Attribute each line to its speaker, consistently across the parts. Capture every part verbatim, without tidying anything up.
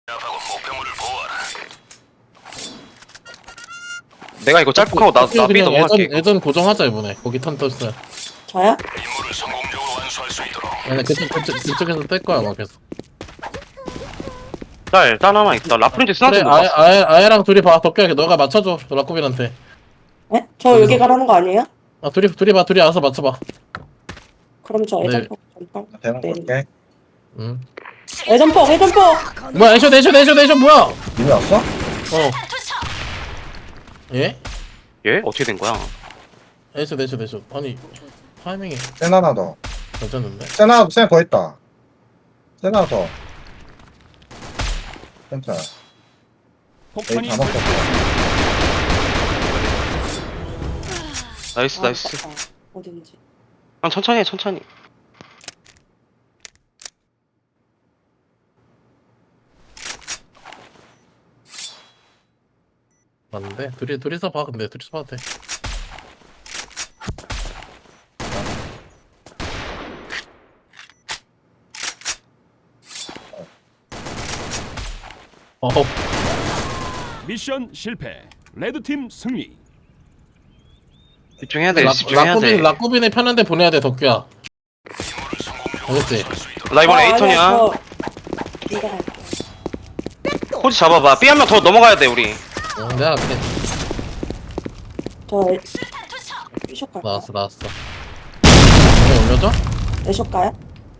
Speaker 1: 내가 이거 짤폭하고 나, 나 B
Speaker 2: 그냥
Speaker 1: 넘어갈게.
Speaker 2: 예전, 예전 고정하자 이번에. 거기 턴 떴어요.
Speaker 3: 저요?
Speaker 2: 아니 그쪽 그쪽 그쪽에서 뺄 거야 막 계속.
Speaker 1: 짤, 짤 하나 있다. 라프린즈
Speaker 2: 그래
Speaker 1: 스나도 못
Speaker 2: 아예
Speaker 1: 봤어.
Speaker 2: 아예 아예랑 둘이 봐. 덕규야 너가 맞춰줘 라쿠빈한테.
Speaker 3: 네? 저 여기 가라는 거 아니에요?
Speaker 2: 아 둘이 둘이 봐 둘이 알아서 맞춰봐.
Speaker 3: 그럼 저
Speaker 2: 네.
Speaker 3: 애전폭 전방
Speaker 4: 대문
Speaker 3: 네.
Speaker 4: 볼게.
Speaker 2: 응.
Speaker 3: 애전폭 애전폭
Speaker 2: 뭐야 애쇼 애쇼 애쇼 애쇼 뭐야?
Speaker 4: 이미 왔어?
Speaker 2: 어. 예?
Speaker 1: 얘? 어떻게 된 거야?
Speaker 2: 애쇼 애쇼 애쇼. 아니 타이밍이
Speaker 4: 센 하나 더.
Speaker 2: 괜찮은데?
Speaker 4: 센 하나, 센 더 있다. 센 하나 더. 센터. 에이,
Speaker 5: 폭탄이
Speaker 4: 다 먹었어.
Speaker 1: 나이스,
Speaker 3: 아,
Speaker 1: 나이스.
Speaker 3: 아깝다. 어딘지
Speaker 1: 형, 천천히 해, 천천히.
Speaker 2: 맞는데? 둘이 둘이서 봐 근데 둘이서 봐도 돼. 어.
Speaker 5: 미션 실패. 레드팀 승리.
Speaker 1: 집중해야 돼,
Speaker 2: 라-
Speaker 1: 집중해야 돼.
Speaker 2: 라쿠빈 라쿠빈이 편한데 보내야 돼 덕규야. 알겠지?
Speaker 1: 나 이번
Speaker 3: 아,
Speaker 1: 에이턴이야.
Speaker 3: 아니야, 저 이거 할게요.
Speaker 1: 코지 잡아봐. B 한 명 더 넘어가야 돼, 우리.
Speaker 2: 응, 내가 그래.
Speaker 3: 저 애- B숍 갈까요?
Speaker 2: 나왔어 나왔어. 왜 올려줘?
Speaker 3: 애숍 가요?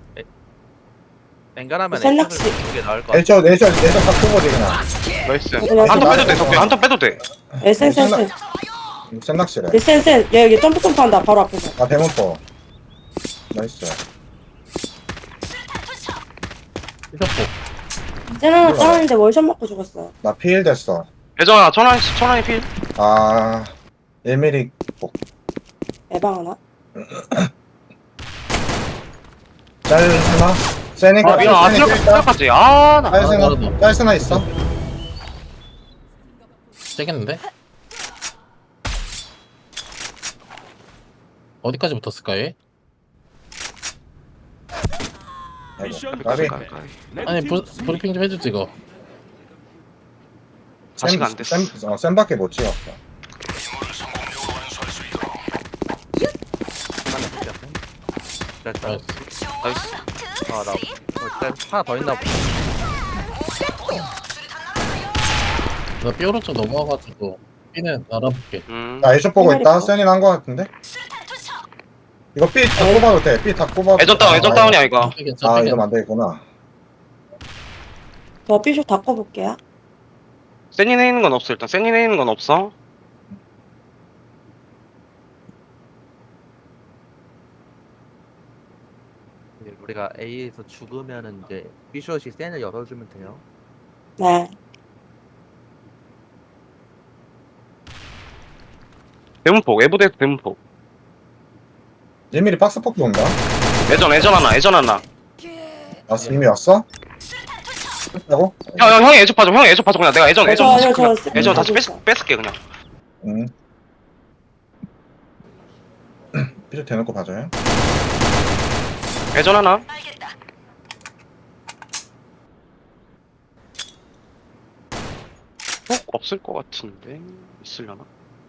Speaker 6: 뱅가라면
Speaker 3: 셀락시.
Speaker 6: 이게 나을 것 같아.
Speaker 4: 내셔, 내셔, 내셔 딱 쏘거지, 그냥.
Speaker 1: 나이스.
Speaker 3: 그냥
Speaker 1: 한 턴 빼도 돼,
Speaker 4: 나-
Speaker 1: 덕분에. 한턴 빼도 돼.
Speaker 3: 에센센센
Speaker 4: 센 낚시래.
Speaker 3: 에센센 얘 여기 점프 점프 한다 바로 앞에서
Speaker 4: 아, 대문 또. 나이스.
Speaker 2: 삐졌고.
Speaker 3: 쟤는 하나
Speaker 4: 몰라요.
Speaker 3: 따는데 월샷 맞고 죽었어요
Speaker 4: 나 피일 됐어.
Speaker 1: 예전아, 천원이, 천원이 필.
Speaker 4: 아, 일 밀리미터 복.
Speaker 3: 에방 하나?
Speaker 4: 짤 하나? 세니까.
Speaker 1: 아, 미안. 아, 생각까지. 아, 나.
Speaker 4: 짤
Speaker 2: 아,
Speaker 4: 세나?
Speaker 2: 나도.
Speaker 4: 짤 세나 있어?
Speaker 2: 세겠는데? 어디까지 붙었을까 얘?
Speaker 5: 미션
Speaker 4: 까비.
Speaker 5: 실패.
Speaker 2: 아니
Speaker 5: 레드팀
Speaker 2: 부,
Speaker 5: 승리.
Speaker 2: 브리핑 좀 해주지 이거.
Speaker 1: 아직 안 됐어.
Speaker 4: 센, 어, 센밖에 못 찍었어.
Speaker 6: 됐다.
Speaker 2: 나이스.
Speaker 1: 나이스.
Speaker 6: 아, 나 일단 하나 더 있나 보다.
Speaker 2: 나 삐오로 쪽 넘어와가지고 B는 알아볼게.
Speaker 1: 음.
Speaker 4: 나 애쇼 보고 있다.
Speaker 3: 이말이
Speaker 4: 센이 난 거 같은데? 이거 B 다 뽑아도 돼. B 다 뽑아도
Speaker 1: 애전 다운, 애전 다운이야, 이거.
Speaker 2: 괜찮아,
Speaker 4: 아,
Speaker 2: 괜찮아.
Speaker 4: 이러면 안 되겠구나.
Speaker 3: 저 B숍 닦아볼게요
Speaker 1: 센이네 있는 건 없어, 일단. 센이네 있는 건 없어.
Speaker 6: 이제 우리가 A에서 죽으면은 이제 B숏이 센을 열어주면 돼요.
Speaker 3: 네
Speaker 1: 대문폭, 외부대에서 대문폭.
Speaker 4: 일 밀리미터 박스 폭도 온다.
Speaker 1: 애전, 애전 하나, 애전 하나.
Speaker 4: 왔어, 이미 왔어? 했다고?
Speaker 1: 형, 형, 형이 애전 파줘, 형이 애전 파줘. 그냥 내가 애전,
Speaker 3: 저,
Speaker 1: 애전
Speaker 3: 저,
Speaker 1: 다시,
Speaker 3: 저,
Speaker 1: 그냥
Speaker 3: 저
Speaker 1: 애전 다시
Speaker 3: 가고
Speaker 1: 뺏,
Speaker 3: 있어.
Speaker 1: 뺏을게, 그냥.
Speaker 4: 응. 삐져 대놓고 봐줘요.
Speaker 1: 애전 하나. 어? 없을 것 같은데. 있으려나?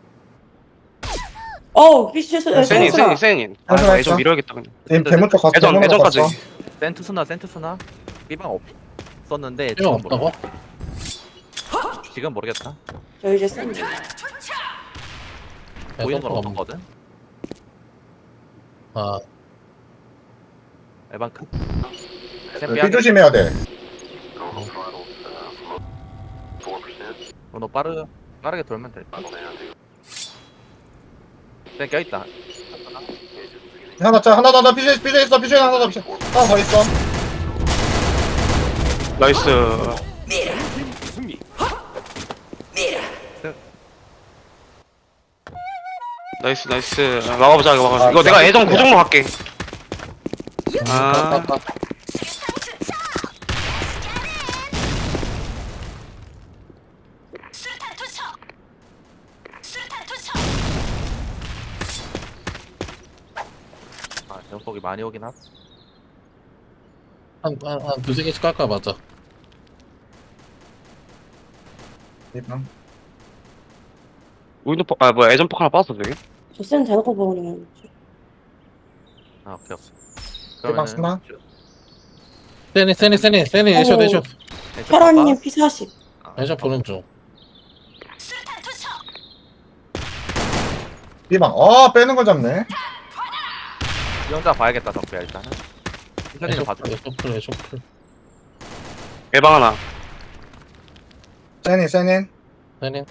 Speaker 3: 어우 B숍
Speaker 1: 센이, 센이,
Speaker 3: 에센스나
Speaker 1: 센이. 아,
Speaker 4: 애전
Speaker 1: 애전 밀어야겠다, 그냥.
Speaker 4: 대- 대문 쪽 갔어.
Speaker 1: 애전,
Speaker 4: 대문 쪽
Speaker 1: 애전까지.
Speaker 4: 갔어.
Speaker 6: 센투스나 센투스나 B방 없었는데
Speaker 2: B방
Speaker 6: 지금 모르-
Speaker 2: 없다고?
Speaker 6: 지금 모르겠다.
Speaker 3: 저 이제 센
Speaker 6: 보이는 건
Speaker 2: 애들
Speaker 6: 없거든.
Speaker 2: 아
Speaker 6: 에반크.
Speaker 4: B 조심해야 돼.
Speaker 6: 너 빠르 빠르게 돌면 돼. 네, 껴 있다.
Speaker 4: 하나 짜 하나 더, 더 삐져 삐져 있어. 삐져 하나 더 삐져. 하나 더 있어.
Speaker 1: 나이스.
Speaker 5: 레드팀 승리.
Speaker 1: 나이스, 나이스. 막아보자, 이거 막아보자. 이거 내가 애전 고정로 갈게. 아.
Speaker 6: 아, 연폭이 많이 오긴 하.
Speaker 2: 한한 한 두세 개씩 깔까 맞아.
Speaker 4: B방.
Speaker 1: 윈도포 아 뭐야 애전폭 하나 빠졌어 저기.
Speaker 3: 저 센 대놓고 보는
Speaker 6: 아 오케이 없어.
Speaker 4: B방 스나.
Speaker 2: 세니 세니 세니 세니 애쇼
Speaker 3: 오.
Speaker 2: 애쇼
Speaker 3: 혈원님 피 사십.
Speaker 2: 애쇼 보는 중.
Speaker 4: B방. 아 빼는 걸 잡네.
Speaker 6: 이 혼자 봐야겠다 덕배야 일단은. 피셔니는
Speaker 2: 애쇼
Speaker 6: 봐줘.
Speaker 2: 애쇼 풀 애쇼 풀.
Speaker 1: 예방 하나.
Speaker 4: 세닌 세닌.
Speaker 2: 세니.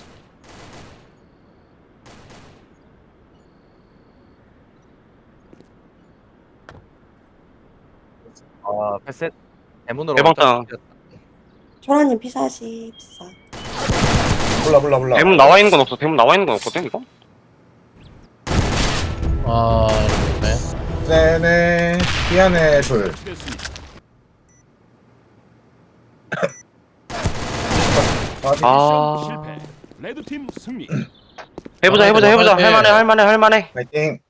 Speaker 6: 아 패스. 대문으로.
Speaker 1: 대방
Speaker 6: 혼자
Speaker 1: 땅.
Speaker 6: 뛰었다.
Speaker 3: 초라님 피 사십사.
Speaker 4: 몰라 몰라 몰라.
Speaker 1: 대문 나와 있는 건 없어. 대문 나와 있는 건 없거든 이거.
Speaker 2: 아 네.
Speaker 4: 세닌. B 안에 둘.
Speaker 5: 설치됐습니다.
Speaker 1: 아.
Speaker 5: 실패. 레드팀 승리.
Speaker 1: 해보자 해보자 해보자. 할만해 할만해 할만해.
Speaker 4: 파이팅.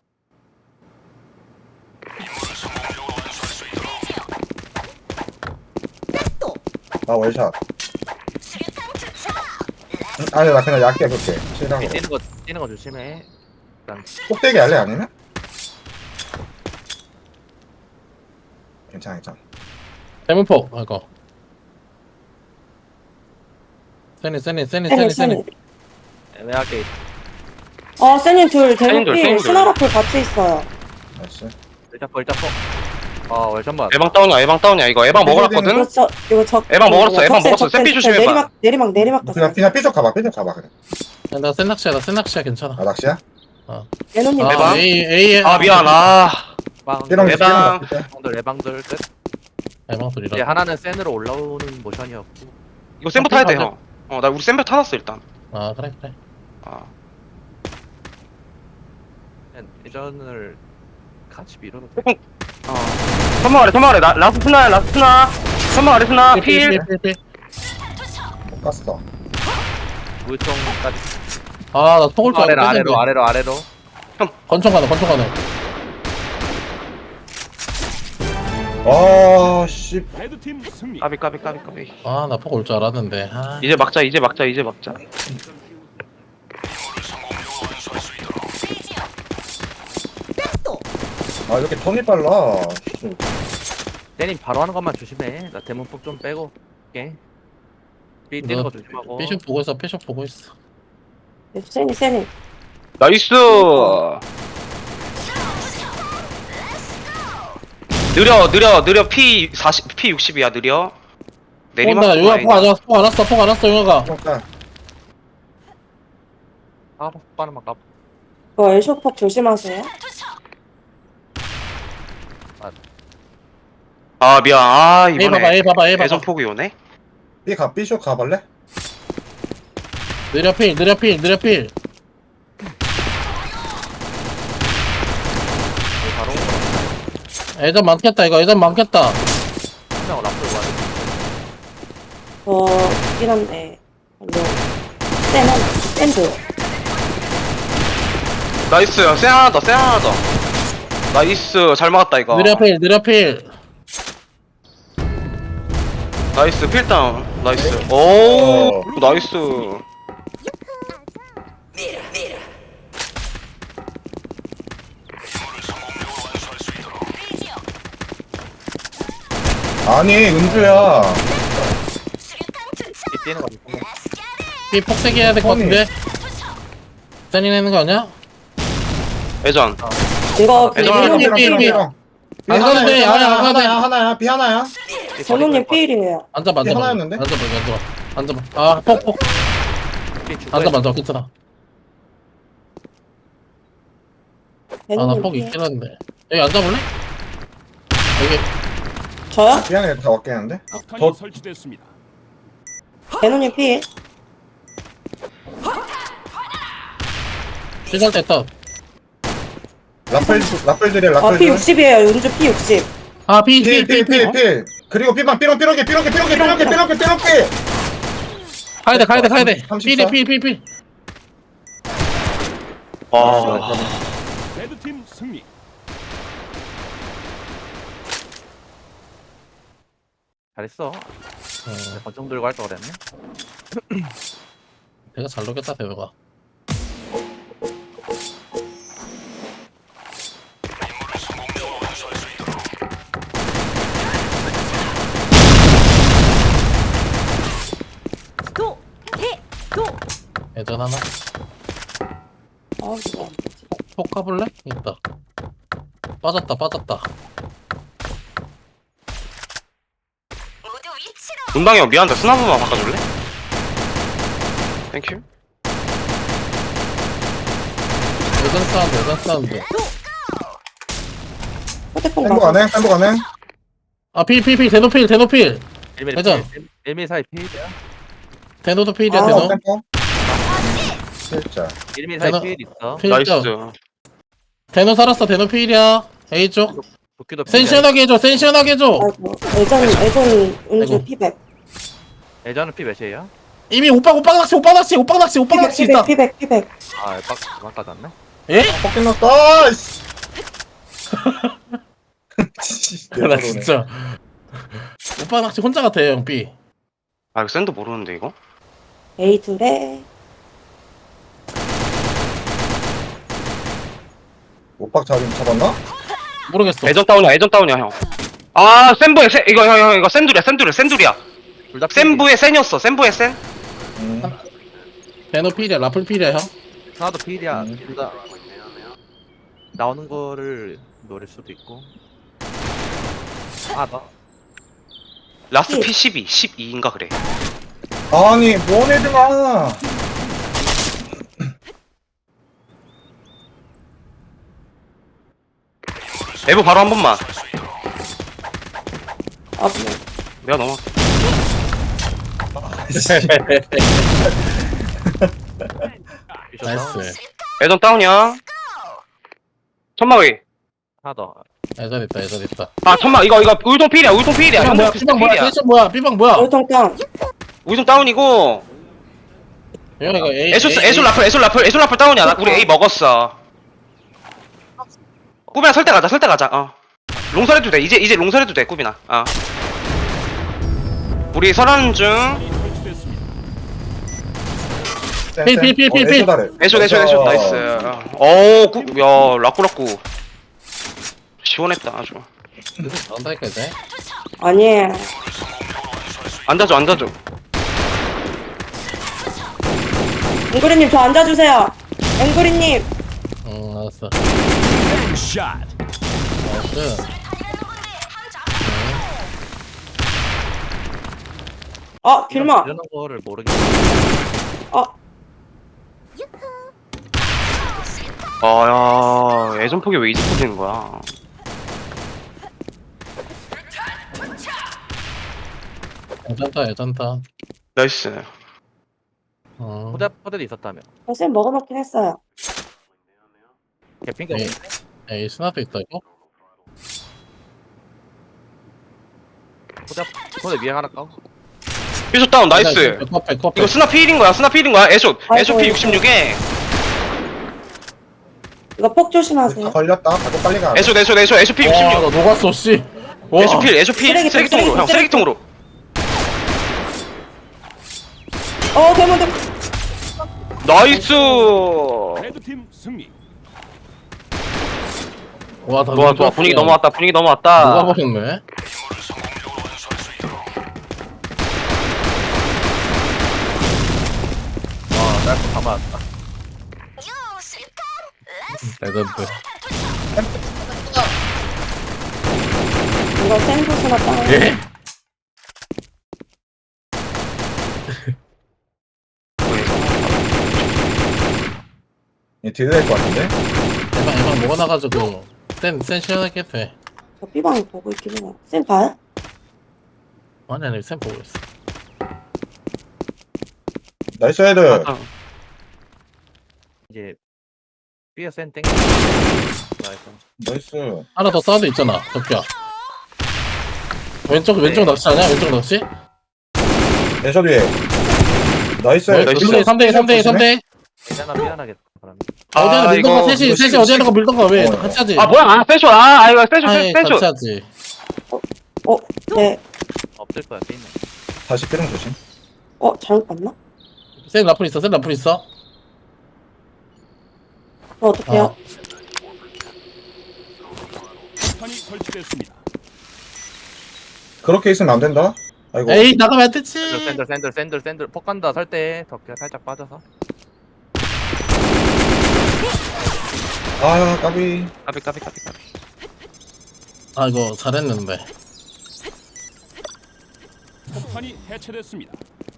Speaker 4: 나 월샷. 응? 아니 나 그냥 얇게 해볼게. 실랑
Speaker 6: 이 뛰는 거 뛰는 거 조심해. 일단
Speaker 4: 꼭대기 할래 아니면? 괜찮아 괜찮아.
Speaker 2: 대문폭 이거. 세니 세니 세니
Speaker 3: 세니
Speaker 2: 세니 세니.
Speaker 3: 세니.
Speaker 6: 애매하게
Speaker 3: 어 세니 둘
Speaker 1: 세니 둘,
Speaker 3: 대놓고
Speaker 1: 세니 둘.
Speaker 3: 스나라풀 같이 있어요.
Speaker 4: 나이스.
Speaker 6: 일단 퍼 일단 퍼. 아 월샷만.
Speaker 1: 예방 다운이야 예방 다운이야 이거 예방 먹어놨거든.
Speaker 3: 이거 저 이거 적.
Speaker 1: 에방 먹었어, 에방
Speaker 3: 적세,
Speaker 1: 먹었어.
Speaker 3: 적세,
Speaker 1: 샌피
Speaker 3: 적세.
Speaker 1: 조심해봐.
Speaker 3: 내리막 내리막 내리막
Speaker 4: 그냥
Speaker 3: 갔어.
Speaker 4: 그냥 삐쪽 가봐 삐쪽 가봐 그래.
Speaker 2: 나 센낚시야 나 센낚시야 괜찮아.
Speaker 4: 아 낚시야?
Speaker 3: 예노님
Speaker 2: 아
Speaker 1: 대박.
Speaker 2: A A.
Speaker 1: 아 미안 아.
Speaker 6: 빵.
Speaker 4: 삐롱
Speaker 1: 대박.
Speaker 6: 방들 예방들 끝.
Speaker 2: 대방 소리라.
Speaker 6: 이제 하나는 센으로 올라오는 모션이었고.
Speaker 1: 이거 센터 타야 돼 형. 어나 우리 센터 타놨어 일단.
Speaker 2: 아 그래 그래.
Speaker 1: 아
Speaker 6: 예전을 같이 밀어도 돼.
Speaker 1: 어. 선방 아래 선방 아래 나 라스트 스나 라스트 스나. 선방 아래 스나 필.
Speaker 2: 필필필필.
Speaker 4: 못 갔어.
Speaker 6: 무총까지.
Speaker 2: 아나 속을 줄
Speaker 6: 아래로
Speaker 2: 알았는데.
Speaker 6: 아래로 아래로 아래로.
Speaker 2: 권총 가능 권총 가능.
Speaker 4: 아 씨.
Speaker 5: 레드팀 승리.
Speaker 1: 까비 까비 까비 까비.
Speaker 2: 아나 폭 올 줄 알았는데. 아.
Speaker 1: 이제 막자 이제 막자 이제 막자.
Speaker 4: 아 이렇게 턴이 빨라. 씨.
Speaker 6: 대님 바로 하는 것만 조심해. 나 대문폭 좀 빼고. 오케이. B 뛰는 거 조심하고.
Speaker 2: 피숍 보고 있어 피숍 보고 있어.
Speaker 3: 세니 세니.
Speaker 1: 나이스. 느려 느려 느려 P 사십 P 육십이야 느려. 내리막.
Speaker 2: 온다 용아 폭안 왔어 폭안 왔어 폭안 왔어 용아가.
Speaker 4: 그러니까
Speaker 6: 아 빠르만 까.
Speaker 3: 그 엘쇼폭 조심하세요.
Speaker 1: 아 미안 아
Speaker 2: A 봐봐
Speaker 1: 이번에
Speaker 2: A 봐봐 A 봐봐.
Speaker 1: 애전 폭이 오네.
Speaker 4: B 가 B쇼 가볼래?
Speaker 2: 느려 필 느려 필 느려 필.
Speaker 6: 바로
Speaker 2: 애전 많겠다 이거 애전 많겠다.
Speaker 6: 한명 라플 와야
Speaker 3: 저 있긴 한데. 뭐 센 하나 센드.
Speaker 1: 나이스 쎄 하나 더쎄 하나 더. 나이스 잘 막았다 이거.
Speaker 2: 느려 필 느려 필.
Speaker 1: 나이스 필다운 나이스. 오
Speaker 4: 어.
Speaker 1: 나이스.
Speaker 4: 아니 은주야.
Speaker 6: B 뛰는 거 조심해.
Speaker 2: 이 폭세기 해야 될 것 같은데. 세니 내는 거 아니야?
Speaker 1: 애전.
Speaker 3: 이거 그
Speaker 1: 애정을
Speaker 3: 예노님
Speaker 2: 삐, 삐,
Speaker 3: 필.
Speaker 2: 삐.
Speaker 4: B
Speaker 2: 안 가도 돼, 아니, 안 가도 돼.
Speaker 4: 하나야 하나야 B 하나야.
Speaker 3: 전우님 필이에요.
Speaker 2: 앉아봐
Speaker 4: 이게
Speaker 2: 앉아봐.
Speaker 4: 하나였는데?
Speaker 2: 앉아봐 앉아봐 앉아봐. 아폭폭
Speaker 6: B 죽어야
Speaker 2: 앉아봐 앉아봐 괜찮아.
Speaker 3: 예노님
Speaker 2: 아나폭
Speaker 3: 필.
Speaker 2: 있긴 한데. 여기 앉아볼래? 여기
Speaker 3: 저요?
Speaker 4: B 안에 다 왔겠는데?
Speaker 5: 폭탄이
Speaker 4: 더-
Speaker 5: 설치됐습니다.
Speaker 3: 예노님 필.
Speaker 2: 시작 됐다.
Speaker 4: 라플 라플들이
Speaker 3: 어
Speaker 4: 라플들.
Speaker 3: 피 육십이에요. 윤주 피 육십.
Speaker 2: 아 피 피 피 피.
Speaker 4: 필필필필 그리고 B방 삐롱 삐롱게 삐롱게 삐롱게 삐롱게 삐롱게 삐롱게.
Speaker 2: 가야 돼 가야 돼 가야 돼.
Speaker 4: 삼십사?
Speaker 2: 필이 필필.
Speaker 1: 아
Speaker 5: 레드팀 승리.
Speaker 6: 잘했어.
Speaker 2: 어.
Speaker 6: 권총 들고 할 걸 그랬네.
Speaker 2: 내가 잘 녹였다 대우가.
Speaker 3: 도! 해! 도!
Speaker 2: 예전 하나.
Speaker 3: 아 이거
Speaker 2: 폭 가볼래? 있다. 빠졌다 빠졌다.
Speaker 1: 문방이 형 미안한데 스나 한번만 바꿔줄래? 땡큐.
Speaker 2: 예전 사운드 예전 사운드.
Speaker 3: 휴대폰
Speaker 4: 햄버
Speaker 3: 맞아.
Speaker 4: 가네 햄버 가네.
Speaker 2: 아필필필 대노필 대노필.
Speaker 6: 일 미리
Speaker 2: 회전.
Speaker 6: 일 미리 사이 필이야.
Speaker 2: 대노도 필이야
Speaker 3: 아,
Speaker 2: 대노.
Speaker 4: 햄버. 진짜.
Speaker 6: 일 미리 사이
Speaker 2: 대노-
Speaker 6: 필 있어.
Speaker 1: 나이스.
Speaker 2: 필점. 대노 살았어 대노 필이야. A 쪽.
Speaker 6: 도끼도
Speaker 2: 센 시원하게 해줘 센 시원하게 해줘.
Speaker 3: 아이고 예전 예전 은주
Speaker 2: 아이고.
Speaker 3: 피백.
Speaker 6: 예전은 피 몇이에요?
Speaker 2: 이미 오빠 오빠 낚시 오빠 낚시 오빠 낚시 오빠
Speaker 3: 피백
Speaker 2: 낚시
Speaker 3: 피백
Speaker 2: 있다.
Speaker 3: 피백 피백.
Speaker 6: 아, 빡 그만 까졌네.
Speaker 2: 예?
Speaker 4: 뻑긴 났다. 씨.
Speaker 2: 나 진짜 오빠 낚시 혼자 같아 형 B.
Speaker 1: 아 이거 샌드 모르는데 이거?
Speaker 3: A 둘에
Speaker 4: 오빡 잡인 잡았나?
Speaker 2: 모르겠어.
Speaker 1: 애전 다운이야 애전 다운이야 형. 아 센부의 센 이거 형 형 이거 센둘이야 센둘이야 센둘이야.
Speaker 6: 둘다
Speaker 1: 센부의 센이었어 센부의 센.
Speaker 4: 음.
Speaker 2: 대노 필이야 라플 필이야 형.
Speaker 6: 하나도 필이야.
Speaker 4: 음.
Speaker 6: 둘 다 나오는 거를 노릴 수도 있고. 아, 나
Speaker 1: 라스트 피 십이 십이인가 그래.
Speaker 4: 아니 뭔 애들아.
Speaker 1: 에브 바로 한 번만.
Speaker 3: 아 뭐.
Speaker 1: 내가 넘어.
Speaker 2: 나이스.
Speaker 1: 애전 다운이야. 천막이.
Speaker 6: 하나 더.
Speaker 2: 예전 있다 예전 있다.
Speaker 1: 아 천막 이거 이거 울동 필이야 울동 필이야.
Speaker 2: B방 뭐야
Speaker 1: 형들
Speaker 2: B방 뭐야
Speaker 1: 필이야.
Speaker 2: 텐션 뭐야 B방 뭐야.
Speaker 3: 울통 땅.
Speaker 1: 울동 다운이고.
Speaker 2: 형 이거 A
Speaker 1: 에소
Speaker 2: A,
Speaker 1: 에소 라플 에소 라플 에소 라플 다운이야. 나- 우리 A 먹었어. 꾸비나 설때 가자 설때 가자. 어. 롱설해도 돼. 이제 이제 롱설해도 돼 꾸비나. 어. 우리 설하는 중.
Speaker 5: 설치됐습니다.
Speaker 2: 필, 필, 필, 필, 필.
Speaker 1: 애쇼 애쇼 애쇼 나이스. 어우 꾸, 야 라꾸라꾸. 시원했다 아주.
Speaker 2: 나온다니까 이제.
Speaker 3: 아니에요.
Speaker 1: 앉아줘 앉아줘.
Speaker 3: 앵그리님 저 앉아주세요. 앵그리님.
Speaker 2: 응 알았어.
Speaker 5: 샷.
Speaker 2: 나이스.
Speaker 3: 어 길마.
Speaker 6: 이런 거를 모르겠어.
Speaker 3: 어
Speaker 1: 아야 예전 폭이 왜 이제 터지는 거야?
Speaker 2: 예전다 예전다.
Speaker 1: 나이스.
Speaker 2: 어.
Speaker 6: 포대 포대도 있었다며.
Speaker 3: 쌤 먹어놓긴 했어요.
Speaker 6: 개핑가
Speaker 2: 네.
Speaker 6: 없는데?
Speaker 2: 에이 스나도 있다 이거.
Speaker 6: 포대 포대 위에 하나 까고.
Speaker 1: 피쇼 다운 나이스.
Speaker 2: 백업 백업.
Speaker 1: 이거 스나 필인 거야 스나 필인 거야 애쇼 애쇼 피
Speaker 3: 아이고.
Speaker 1: 육십육에
Speaker 3: 이거 폭 조심하세요.
Speaker 4: 걸렸다. 가고 빨리 가.
Speaker 1: 애쇼 애쇼 애쇼 애쇼 피
Speaker 2: 와나
Speaker 1: 육십육.
Speaker 2: 녹았어 씨. 와.
Speaker 1: 애쇼 필 애쇼 필
Speaker 3: 쓰레기통,
Speaker 1: 쓰레기통으로 형
Speaker 3: 쓰레기통,
Speaker 1: 쓰레기통으로.
Speaker 3: 어 대문 대문.
Speaker 1: 나이스.
Speaker 5: 레드팀 승리.
Speaker 2: 와, 다
Speaker 1: 좋아 좋아 분위기 넘어왔다 분위기 넘어왔다.
Speaker 2: 녹아버렸네.
Speaker 6: 와, 날거 다 맞았다.
Speaker 2: 레전드.
Speaker 3: 이거 센터스나 땅.
Speaker 2: 예?
Speaker 4: 얘 딜 될 것 같은데?
Speaker 2: 에방 에방 뭐가 나가지고 센센 시원하게 돼.
Speaker 3: 저 B방 보고 있긴 해요. 쌤 봐요?
Speaker 2: 아니 아니 센 보고 있어.
Speaker 4: 나이스 헤드.
Speaker 1: 아,
Speaker 6: 이제 B에 센 땡. 나이스.
Speaker 4: 나이스.
Speaker 2: 하나 더 사운드 있잖아. 덕기야. 왼쪽 왼쪽
Speaker 6: 네.
Speaker 2: 낚시 아니야? 왼쪽 낚시?
Speaker 4: 애쇼 뒤에. 나이스.
Speaker 2: 뭐,
Speaker 1: 나이스.
Speaker 2: 삼 대 삼 대 삼 대.
Speaker 6: 괜찮아 미안하겠다. 그러면.
Speaker 2: 어디 하나
Speaker 1: 아,
Speaker 2: 밀던가
Speaker 1: 이거-
Speaker 2: 셋이
Speaker 4: 이거
Speaker 2: 셋이
Speaker 4: 시-
Speaker 2: 어디 하나 가 밀던가 왜?
Speaker 4: 어.
Speaker 2: 다 같이 하지.
Speaker 1: 아 뭐야 아 세쇼 아, 아 이거 세쇼
Speaker 2: 아이,
Speaker 1: 세쇼.
Speaker 2: 같이 하지.
Speaker 3: 어 네.
Speaker 6: 없을 거야 게임은.
Speaker 4: 다시 삐롱 조심.
Speaker 3: 어 잘못 봤나?
Speaker 2: 센 라플 있어 센 라플 있어.
Speaker 3: 저 어떡해요?
Speaker 5: 폭탄이 설치됐습니다.
Speaker 4: 그렇게 있으면 안 된다. 아이고.
Speaker 2: 에이 나가면 안 되지.
Speaker 6: 샌들 샌들 샌들 샌들 폭 간다 설때 덕게 살짝 빠져서.
Speaker 4: 아 까비.
Speaker 1: 까비 까비 까비 까비.
Speaker 2: 아 이거 잘했는데.
Speaker 5: 폭탄이 해체됐습니다.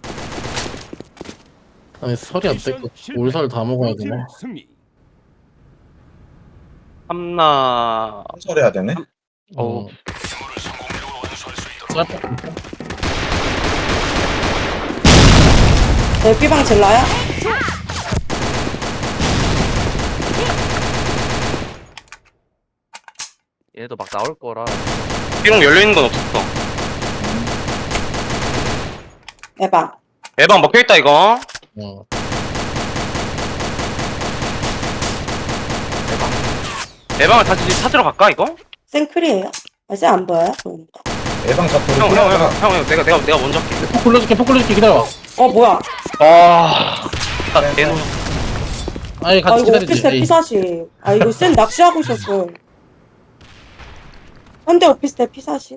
Speaker 2: 아니 설이 안 뜯고 올설 다 먹어야
Speaker 5: 블루팀
Speaker 2: 되나?
Speaker 5: 승리.
Speaker 1: 삼나.
Speaker 4: 설해야 되네.
Speaker 1: 어.
Speaker 3: 내 B방 질러요?
Speaker 6: 얘도 막 나올 거라.
Speaker 1: B롱 열려 있는 건 없었어.
Speaker 3: A방.
Speaker 1: 애방 먹혀 있다 이거.
Speaker 2: 어.
Speaker 1: 애방을 다시 찾으러 갈까 이거?
Speaker 3: 생크리에요? 아, 쌤안 보여요? 보인다.
Speaker 4: 예방 잡고.
Speaker 1: 형 형 형 형 형 내가 내가 내가 먼저 할게.
Speaker 2: 폭 굴려줄게 폭 굴려줄게 기다려.
Speaker 3: 어, 뭐야?
Speaker 1: 아. 나 대노.
Speaker 2: 아니
Speaker 3: 아,
Speaker 2: 같이
Speaker 3: 이거
Speaker 2: 기다리지.
Speaker 3: 오피스텔
Speaker 2: 에이.
Speaker 3: 피사시. 아, 이거 쌤 낚시하고 있었어. 현대 오피스텔 피사시.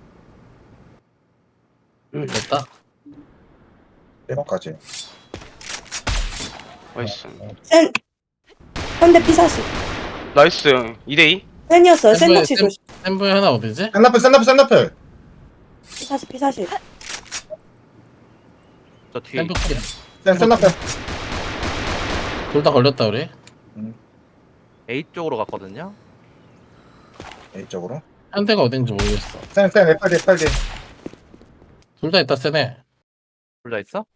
Speaker 2: 됐다.
Speaker 4: 예방까지.
Speaker 1: 나이스.
Speaker 3: 쌤, 현대 피사시.
Speaker 1: 나이스. 이 대 이.
Speaker 3: 쌤이었어요. 쌤
Speaker 2: 쌤,
Speaker 3: 낚시
Speaker 2: 쌤.
Speaker 3: 조심.
Speaker 2: 샘브에 하나 어디지?
Speaker 4: 샌나플 샌나플 샌나플.
Speaker 3: 피사시, 피사시.
Speaker 6: 저 뒤에
Speaker 2: 샘브
Speaker 4: 샌 샌나플.
Speaker 2: 둘다 걸렸다 우리.
Speaker 6: A 쪽으로 갔거든요.
Speaker 4: A쪽으로.
Speaker 2: 현대가 어딘지 모르겠어.
Speaker 4: 샌샌 에팔디 에팔디.
Speaker 2: 둘 다 있다 세네.
Speaker 6: 둘 다 있어?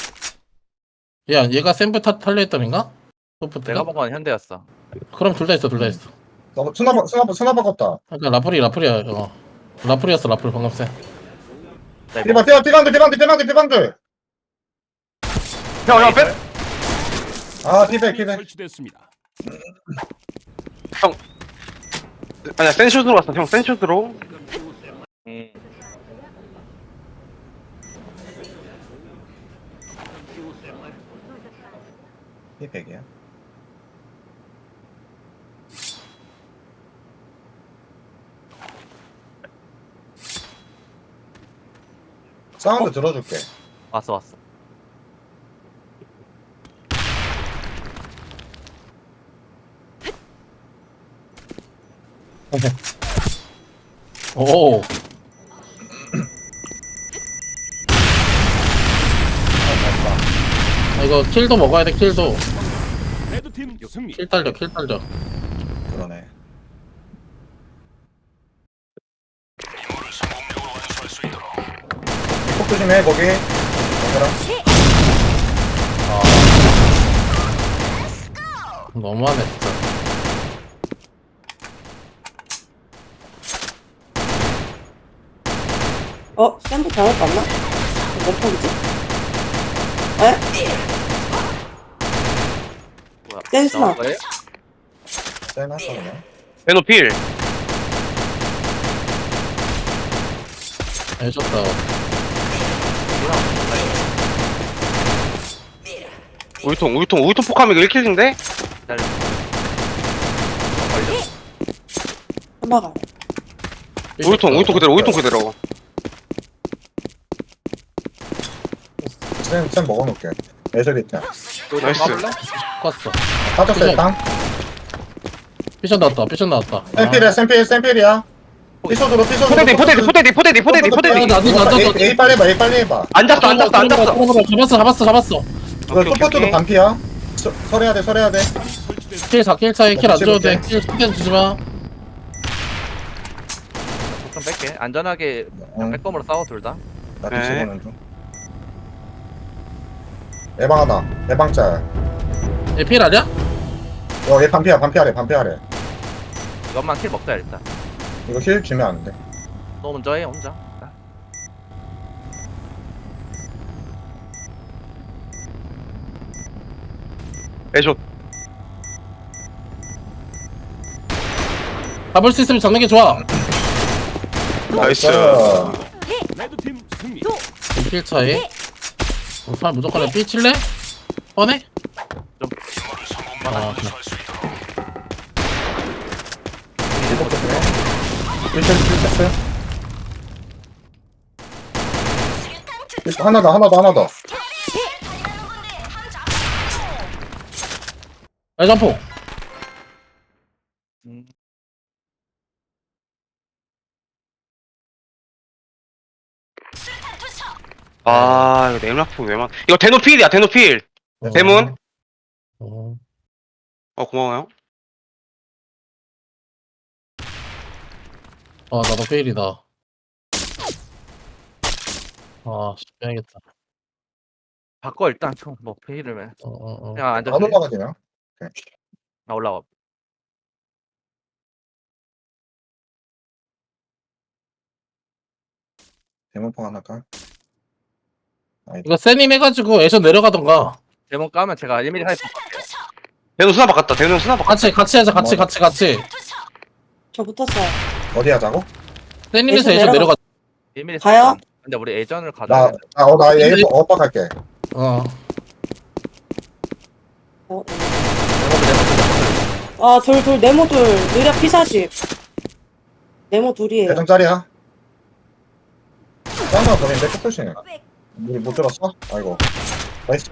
Speaker 2: 야 얘가 샘브 타 탈려 했던인가?
Speaker 6: 내가
Speaker 2: 소프트가?
Speaker 6: 본 건 현대였어.
Speaker 2: 그럼 둘 다 있어 둘 다 있어.
Speaker 4: 너 스나바 스나바 스나바 같다.
Speaker 2: 그러니까 라플이 라플이야 어. 라플이었어 라플 방금 쌤.
Speaker 6: 나 이거
Speaker 4: 피방 피방 피방들 피방들 피방들 피방들.
Speaker 1: 형형 빼.
Speaker 4: 아 피백
Speaker 5: 폭탄이
Speaker 4: 피백.
Speaker 5: 설치됐습니다.
Speaker 1: 아니야 센슛으로 왔어 형 센슛으로.
Speaker 6: 음,
Speaker 4: 피백이야. 사운드 들어줄게.
Speaker 6: 왔어 왔어.
Speaker 2: 오. 아, 이거 킬도 먹어야 돼 킬도.
Speaker 5: 레드팀 승리.
Speaker 2: 킬 딸려 킬 딸려.
Speaker 4: 그러네. 폭 조심해 거기. 얘들아.
Speaker 2: 너무하네 진짜.
Speaker 3: 어, 쌤도 잘못 봤나? 몇 폭이지? 에?
Speaker 6: 뭐야?
Speaker 3: 댄스나.
Speaker 6: 나온 거예요?
Speaker 4: 쎄나 그냥.
Speaker 1: 대노 필.
Speaker 2: 해줬다.
Speaker 1: 우유통 우유통 우유통 폭하면 이거 일 킬인데?
Speaker 6: 기다려. 걸려.
Speaker 3: 한바가.
Speaker 1: 우유통 우유통 그대로 우유통 그대로.
Speaker 4: 쌤쌤 먹어놓을게. 애들 있다.
Speaker 1: 나이스.
Speaker 2: 꿨어.
Speaker 4: 빠졌어 땅.
Speaker 2: 피션 나왔다 피션 나왔다.
Speaker 4: 샘필이야 샘필 샘필이야. 피소드로 피소드로.
Speaker 1: 포대디 포대디 포대디 포대디 포대디 포대디.
Speaker 2: 나도 나도
Speaker 4: A, A 빨리 해봐 A 빨리 해봐.
Speaker 1: 앉았어 앉았어 앉았어.
Speaker 2: 잡았어 잡았어 잡았어.
Speaker 4: 이거
Speaker 1: 오케이,
Speaker 4: 소포트도
Speaker 1: 오케이.
Speaker 4: 반피야. 서, 설해야 돼 설해야 돼.
Speaker 5: 설치됐습니다.
Speaker 2: 킬 사 킬 차이 킬 안 줘도 돼.
Speaker 4: 치울게.
Speaker 2: 킬 신경 주지 마.
Speaker 6: 좀 뺄게. 안전하게
Speaker 4: 응,
Speaker 6: 백검으로 싸워 둘 다.
Speaker 4: 나
Speaker 1: 네.
Speaker 4: 뒤집어는 중. 예방 하나. 예방짤.
Speaker 2: 얘필 아니야?
Speaker 4: 어, 얘 반피야 반피하래 반피하래.
Speaker 6: 이것만 킬 먹자 일단.
Speaker 4: 이거 힐 주면 안 돼.
Speaker 6: 너 먼저 해 혼자.
Speaker 1: 애쇼.
Speaker 2: 잡을 수 있으면 잡는 게 좋아.
Speaker 1: 나이스.
Speaker 5: 레드팀 승리.
Speaker 2: 킬 차이. 우선 무조건 삐 칠래? 뻔해?
Speaker 6: 좀
Speaker 2: 아, 그래.
Speaker 4: 필셋 필셋 하나 더 하나 더 하나 더
Speaker 2: 야, 점프.
Speaker 6: 음,
Speaker 1: 아 이거 네임라프 왜만 이거 대노필이야 대노필.
Speaker 2: 어.
Speaker 1: 대문.
Speaker 2: 어.
Speaker 1: 어 고마워요.
Speaker 2: 아, 나도 페일이다. 아, 씨, 빼야겠다.
Speaker 6: 바꿔 일단 총뭐 페이를 해.
Speaker 2: 어, 어, 어.
Speaker 6: 그냥 앉아.
Speaker 4: 안 올라가지냐
Speaker 6: 나 올라와.
Speaker 4: 대문폭 하나 깔
Speaker 2: 이거 세님 해가지고 애션 내려가던가.
Speaker 6: 대문 까면 제가 일 밀리미터 하이퍼
Speaker 1: 대노 수나 바꿨다. 대노 수나 바꿨다.
Speaker 2: 같이, 같이 하자, 같이, 같이, 같이.
Speaker 3: 저 붙었어요.
Speaker 4: 어디 하자고?
Speaker 2: 세님에서
Speaker 3: 애션
Speaker 2: 애션 내려가.
Speaker 6: 일 밀리미터
Speaker 3: 가요?
Speaker 6: 근데 우리 예전을 가져야 돼.
Speaker 4: 나나어나 A 오빠 갈게
Speaker 2: 어.
Speaker 3: 어, 네.
Speaker 6: 네모드 네모드 네모드.
Speaker 3: 아, 둘, 둘, 네모 둘. 느려 피사십. 네모 둘이에요.
Speaker 4: 대전짜리야 짱나 보는데 끝끝이네 우리 못 들었어? 아이고 나이스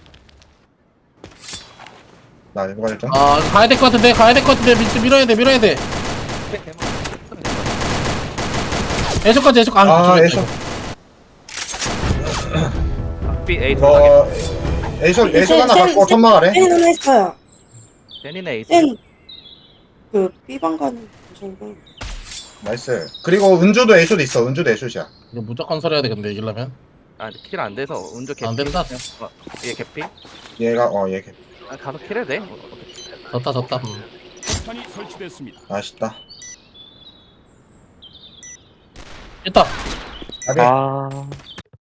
Speaker 4: 나 이거 일단
Speaker 2: 아, 가야 될 것 같은데, 가야 될 것 같은데, 밀, 밀어야 돼, 밀어야 돼. 애션까지, 애션, 아,
Speaker 4: 아
Speaker 2: 저기
Speaker 4: 애션
Speaker 6: B A
Speaker 4: 이거 애션 애션 하나 갖고 천막 아래
Speaker 3: 센 하나 있어요.
Speaker 6: 데니네 에이스.
Speaker 3: 센, 그, B방 가는 무슨
Speaker 4: 나이스 그리고 은주도 애쇼도 있어 은주도 애쇼이야
Speaker 2: 이거 무조건 설해야 돼, 근데 이기려면.
Speaker 6: 아 킬 안 돼서 운조 개피.
Speaker 2: 안 된다.
Speaker 6: 어, 얘 개피.
Speaker 4: 얘가 어얘
Speaker 6: 아, 가서 킬해도 돼.
Speaker 2: 졌다, 졌다. 음.
Speaker 5: 폭탄이 설치됐습니다.
Speaker 4: 아쉽다
Speaker 2: 있다.
Speaker 4: 아비
Speaker 1: 아